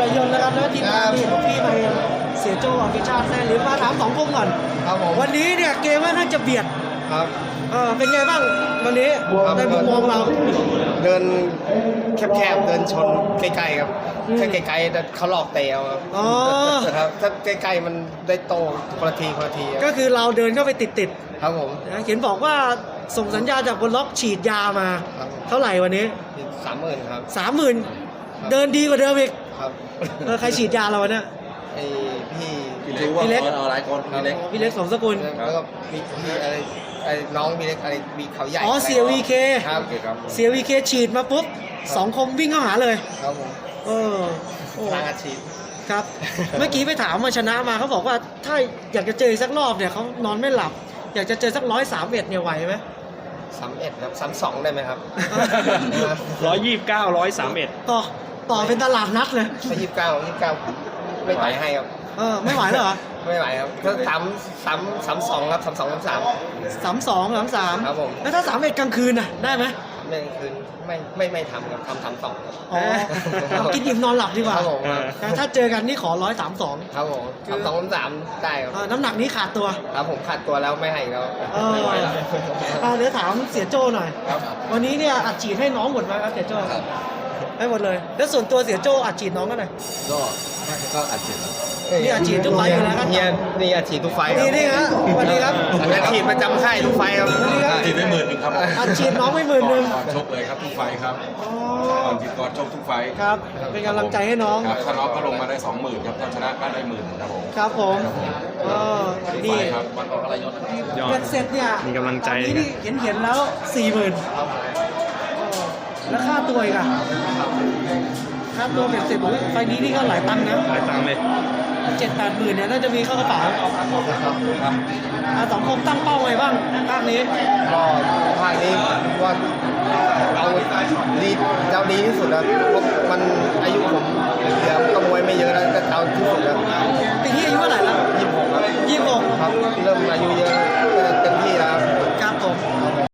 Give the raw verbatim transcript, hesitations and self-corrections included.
รยนต์นะครับแล้วทีมงานนี่พี่มาเองเสียโจ้อภิชาติแซ่ลิ้มมาถามสองคมก่อนครับผมวันนี้เนี่ยเกมว่าน่าจะเบียดครับเออเป็นไงบ้างวันนี้ในมุมมองเราเดินแคบๆเดินชนใกล้ๆครับอืมถ้าไกลๆแต่เขาหลอกเตะเอาครับอ๋อครับถ้าใกล้ๆมันได้โตคนละทีคนละทีคก็รับคือเราเดินเข้าไปติดครับผมๆนะเห็นบอกว่าส่งสัญญาจากบนล็อกฉีดยามาครับเท่าไหร่วันนี้สามหมื่นครับสามหมื่นเดินดีกว่าเดิมอีกครับเออใครฉีดยาเราวะเนี่ยไอพี่พี่เล็กเอาหลายคนพี่เล็กอ๋อพี่เล็กสมสกุลแล้วก็มีพี่อะไรไอ้น้องพี่เล็กอะไรมีเขาใหญ่อ๋อเสียวีเคครับโอเคครับเสียวีเคฉีดมาปุ๊บสองคมวิ่งเข้าหาเลยครับผมเออโอ้ทางอาชีพครับ เมื่อกี้ไปถามมาชนะมาเขาบอกว่าถ้าอยากจะเจออีกสักรอบเนี่ยเขานอนไม่หลับ อยากจะเจอสักร้อยสามเอ็ดเนี่ยไหวไหมสามเอ็ดครับสามสองได้ไหมครับร้อยยี่สิบเก้าร้อยสามเอ็ดต่อต่อเป็นตลาดนัดเลยไม่ยี่สิบเก้ายี่สิบเก้าไม่ไหวให้ครับเออไม่ไหวเลยเหรอไม่ไหวครับถ้าสามสามสามสองครับสามสองสามสามสามสองสามสามครับผมแล้วถ้าสามเอ็ดกลางคืนน่ะได้ไหมไม่คืนไม่ไม่ไม่ทำครับทำสามสองครับอ๋อเอากินอิ่มนอนหลับดีกว่าครับผมแต่ถ้าเจอกันนี่ขอร้อยสามสองครับผมสามสองสามสามได้ครับน้ำหนักนี้ขาดตัวครับผมขาดตัวแล้วไม่ให้อีกแล้วเออไม่ไหวแล้วอ่าเดี๋ยวถามเสียโจ้หน่อยครับวันนี้เนี่ยอัดฉีดให้น้องหมดไหมครับเสียโจ้ให้หมดเลย แล้วส่วนตัวเสียโจ้อัดฉีดน้องก็หน่อยก็ก็อัดเจ็บนี่อาชีพทุกไฟล์อยู่แล้วครับเนี่ยนี่อาชีพทุกไฟล์นี่นี่ฮะสวัสดีครับอาชีพประจำค่ายทุกไฟล์ครับสวัสดีครับจีบได้หมื่นหนึ่งครับอัดฉีดน้องไม่หมื่นหนึ่งก่อนชกเลยครับทุกไฟครับอ๋อก่อนที่ก่อนชกทุกไฟครับ เป็นกำลังใจให้น้องครับถ้าน็อกก็ลงมาได้สองหมื่นครับถ้าชนะก็ได้หมื่นครับผมครับผมเออทุกไฟนี่ครับวันออกอะไรยศยอดเป็นเสร็จเนี่ยมีกำลังใจตอนนี้นี่เห็นเห็นแล้วสี่หมื่นแล้วค่าตัวอีกอะค่าตัวเป็นเสร็จบอกว่าไฟล์นี้นี่ก็หลายตังค์นะหลายตังค์เลยเจ็ดแปดหมื่นเนี่ยน่าจะมีเข้ากระเป๋าอ่ะสองคมตั้งเป้าไว้บ้างภาคนี้ก็ภาคนี้ว่าเอาดีเอาดีที่สุดแล้วเพราะมันอายุผมเหลือก็มวยไม่เยอะแล้วก็เอาที่สุดแล้วปีนี้อายุเท่าไหร่แล้วยี่สิบหกครับยี่สิบหกครับเริ่มอายุเยอะ